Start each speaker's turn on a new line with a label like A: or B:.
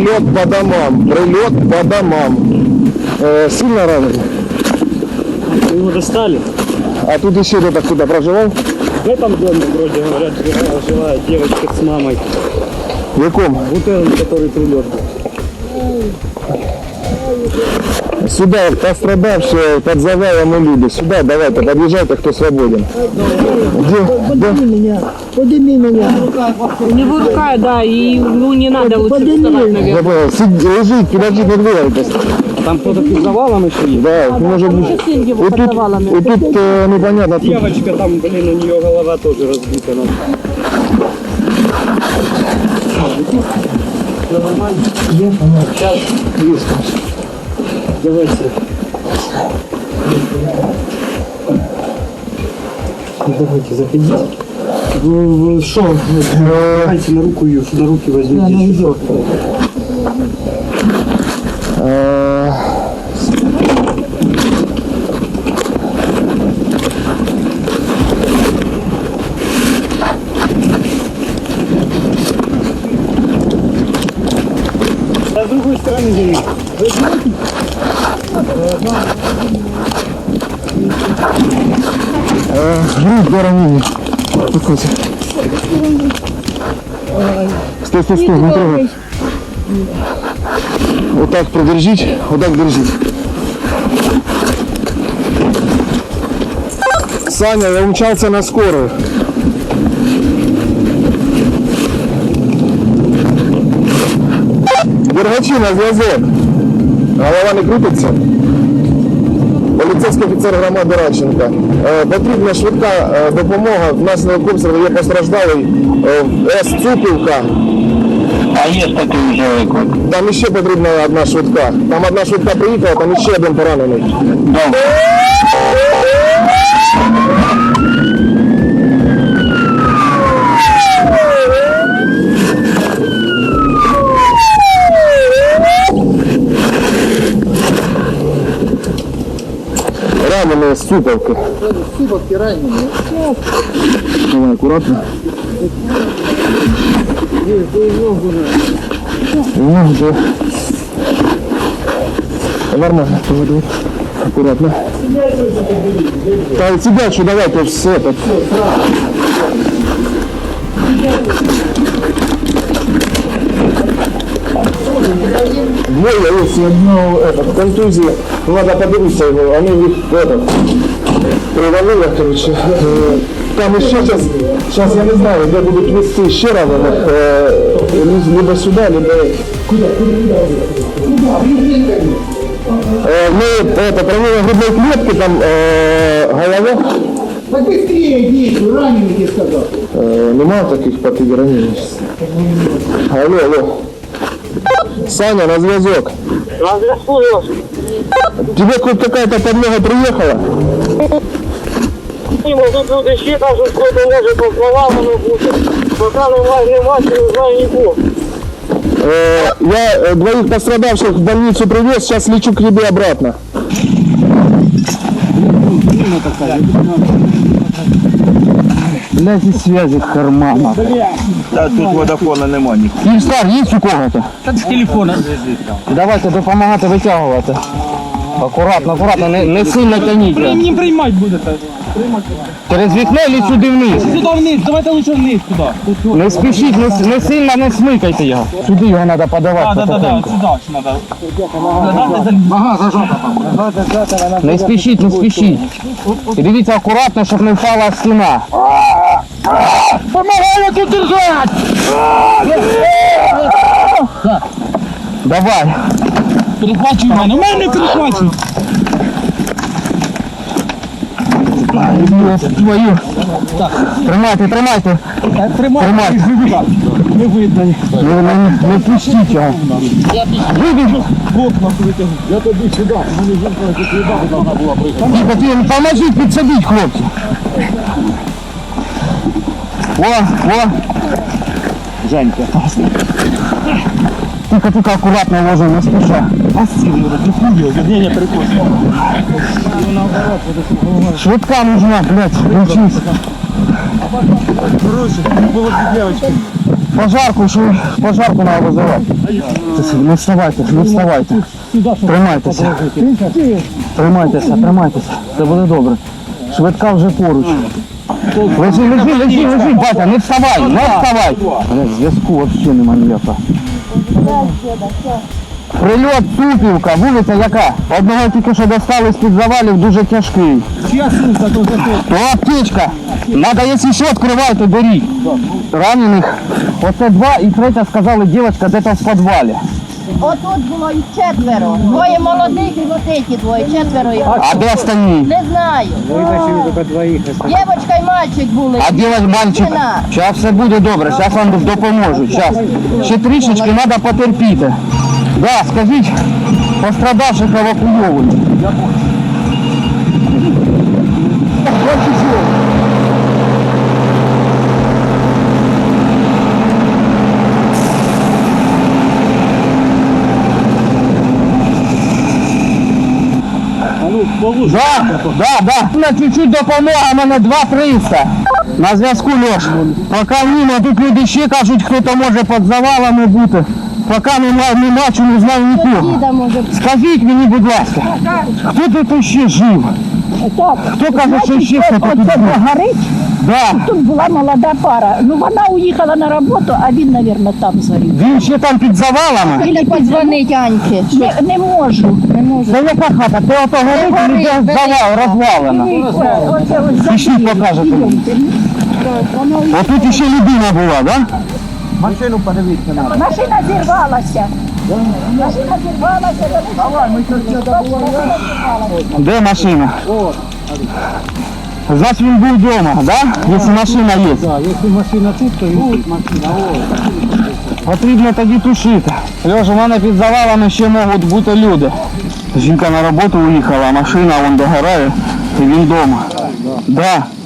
A: Прилет по домам. Прилет по домам. Сильно ранен?
B: Его достали.
A: А тут еще кто-то кто-то проживал?
B: В этом доме, вроде говорят, жила девочка с мамой.
A: В каком?
B: Вот этот, который прилет был.
A: Сюда пострадавшие под завалом и люди. Сюда давайте, подъезжайте, кто свободен.
C: Подними меня, подними меня.
D: У него рука, да, и ему не надо лучше вставать, наверное.
A: Лежит, подожди, не двигайтесь.
B: Там кто-то под завалом еще есть.
A: Да, может быть.
D: Его под завалами.
A: И тут непонятно.
B: Девочка там, блин, у нее голова тоже разбита. Все нормально? Сейчас. Давайте. Давайте, заходите. Что? Давайте на руку ее, на руки возьмите. С другой стороны земли.
A: Грудь до ранения. Успокойся. Стой, стой, стой, не трогай. Вот так продержить, вот так держить. Саня, я умчался на скорую. Дергачи на зв'язок. Голова не крутиться. Поліцейський офіцер громади Радченка. Потрібна швидка допомога. Внаслідок обстрілу є постраждалий С. Цупівка.
E: А є такий вже.
A: Там ще потрібна одна швидка. Там одна швидка приїхала, там ще один поранений.
E: Добре.
A: Раненые с Цуповки.
C: Субовки раненые.
A: Давай, аккуратно. Да. Нормально, поведу. Аккуратно. Да, тебя что, давай, то все это. Двое, если одно в контузии, надо подивиться его, они их привалили, короче. Там еще сейчас я не знаю, где будут везти еще раненых, либо сюда, либо... Куда? Мы промыли грудной клетки, там голова.
C: Так быстрее иди, раненый, я сказал.
A: Нема таких потери ранений. Алло. Саня, на зв'язок.
B: На зв'язку, Леш.
A: Тебе хоть какая-то подмога приехала?
B: Тут люди ще кажуть, що не може по завалами бути. Поки нема, не знаю нікого.
A: Я двоих пострадавших в больницу привез, сейчас лечу к тебе обратно.
E: Блядь, і связи кармана. Та тут водофона нема ніхто.
A: Київстар є у кого-то?
B: Та з телефона.
E: Давайте допомагати витягувати. Акуратно, не сильно тяніть.
B: Не приймати будете.
E: Через вікно чи сюди вниз?
B: Сюди вниз, давайте лише вниз туди.
E: Не спішіть, не сильно не смикайте його. Сюди його треба подавати потихеньку.
B: Сюди ж треба.
C: Ага, зажата там.
E: Не спішіть. І дивіться акуратно, щоб не впала стіна.
C: Помогай тут держать!
E: Давай.
B: Перехвачуй мене, у мене перехвачуй.
E: Твою. Тримайте.
B: Тримай. Не видно.
E: Не пустіть його.
B: Я тобі сюди. Мені жінка закидати повинна була приїхати.
E: Поможіть підсадіть, хлопці. О. Женька. Тихо, акуратно ложи, не спеша.
B: Не, прикольно.
E: Швидка нужна, блядь, включись.
B: Короче, было две девочки.
E: Пожарку надо вызывать. Не вставайте, не вставайте. Тримайтеся. Тримайтеся. Це буде добре. Швидка вже поруч. Лежи, батя, не вставай, не вставай. Зв'язку взагалі немає ніякого. Прильот Тупівка, вулиця яка? Одного тільки що достали з-під завалів, дуже тяжкий.
B: Чья сумка то за то?
E: То аптечка. Надо, якщо що, відкривайте, беріть. Ранених. Оце два і третя, сказали, дівчинка десь в підвалі.
F: Отут було їх четверо. Двоє молодих і вот ці двоє, четверо їх.
E: А де остальні?
F: Не знаю. Дівчинка і мальчик були.
E: А дівчинка, мальчик?
F: Дівчина.
E: Зараз все буде добре, зараз вам допоможуть. Зараз. Ще трішечки треба потерпіти. Да, скажіть, пострадавших евакуйовують. Да. На чуть-чуть допомога, мене 2-300. На зв'язку, Льош. Поки ні, тут люди ще кажуть, хто може під завалами бути. Поки не бачу, не знаю нікого.
F: Діда може.
E: Скажіть мені, будь ласка, хто тут ще жив? Хто каже, що ще хто тут жив?
G: Горить,
E: Да.
G: тут була молода пара. Ну вона уїхала на роботу, а він, мабуть, там згорів.
E: Він ще там під завалами?
F: Іди подзвонить Аньки.
G: Не можу.
E: Це яка хата? Ти ото горить, і де завал, розвалена? Пішли, покажете мені. Отут ще людина була, так? Да?
C: Машину подивіться на.
G: Машина зірвалася. Машина зірвалася.
C: Давай, ми зараз добуваємо.
E: Де машина? Значить він був вдома, да? Якщо машина є.
B: Да, если машина тут, то и тут машина.
E: Потрібно тоді тушити. Льоша, у мене під завалами ще можуть бути люди. Жінка на роботу уїхала, а машина вон догорає, і він вдома. Да.